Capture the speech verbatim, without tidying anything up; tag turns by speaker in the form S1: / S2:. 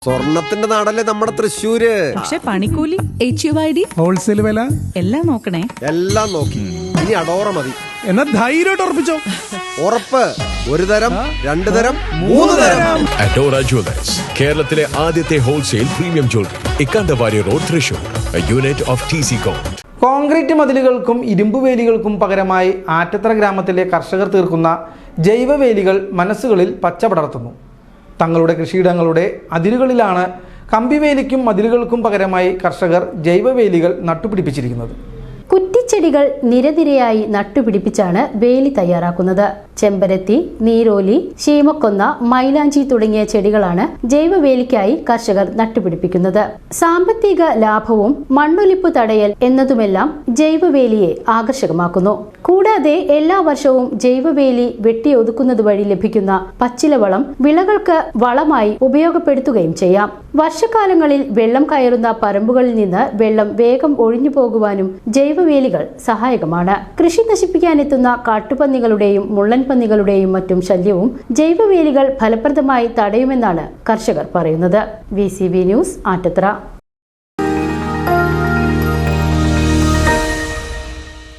S1: സ്വർണത്തിന്റെ നാടല്ലേ നമ്മുടെ തൃശ്ശൂര്.
S2: പക്ഷെ പണിക്കൂലി, H U I D,
S3: wholesale വില
S2: എല്ലാം നോക്കണേ.
S1: എല്ലാം നോക്കി. ഇനി അടോറ മതി.
S3: എന്നാ ധൈര്യമായിട്ട് ഉറപ്പിച്ചോ.
S1: ഉറപ്പ്. ഒരു തരം, രണ്ടു തരം, മൂന്ന് തരം.
S4: അഡോറ ജ്വല്ലേഴ്സ്, കേരളത്തിലെ ആദ്യത്തെ wholesale premium jewellery, Ikkandavari road, Thrissur. Unit of T C com.
S5: കോൺക്രീറ്റ് മതിലുകൾക്കും ഇരുമ്പുവേലികൾക്കും പകരമായി ആറ്റത്തറ ഗ്രാമത്തിലെ കർഷകർ തീർക്കുന്ന ജൈവവേലികൾ മനസ്സുകളിൽ പച്ച പടർത്തുന്നു. തങ്ങളുടെ കൃഷിയിടങ്ങളുടെ അതിരുകളിലാണ് കമ്പിവേലിക്കും മതിലുകൾക്കും പകരമായി കർഷകർ ജൈവവേലികൾ നട്ടുപിടിപ്പിച്ചിരിക്കുന്നത്.
S6: കുറ്റിച്ചെടികൾ നിരനിരയായി നട്ടുപിടിപ്പിച്ചാണ് വേലി തയ്യാറാക്കുന്നത്. ചെമ്പരത്തി, നീരോലി, ശീമക്കൊന്ന, മൈലാഞ്ചി തുടങ്ങിയ ചെടികളാണ് ജൈവവേലിക്കായി കർഷകർ നട്ടുപിടിപ്പിക്കുന്നത്. സാമ്പത്തിക ലാഭവും മണ്ണൊലിപ്പ് തടയൽ എന്നതുമെല്ലാം ജൈവവേലിയെ ആകർഷകമാക്കുന്നു. കൂടാതെ എല്ലാ വർഷവും ജൈവവേലി വെട്ടിയൊതുക്കുന്നത് വഴി ലഭിക്കുന്ന പച്ചിലവളം വിളകൾക്ക് വളമായി ഉപയോഗപ്പെടുത്തുകയും ചെയ്യാം. വർഷകാലങ്ങളിൽ വെള്ളം കയറുന്ന പറമ്പുകളിൽ നിന്ന് വെള്ളം വേഗം ഒഴിഞ്ഞു പോകുവാനും ജൈവവേലികൾ സഹായകമാണ്. കൃഷി നശിപ്പിക്കാനെത്തുന്ന കാട്ടുപന്നികളുടെയും മുള്ളൻ പന്നികളുടെയും മറ്റും ശല്യവും ജൈവവേലികൾ ഫലപ്രദമായി തടയുമെന്നാണ് കർഷകർ പറയുന്നത്. V C B news, ആറ്റത്തറ.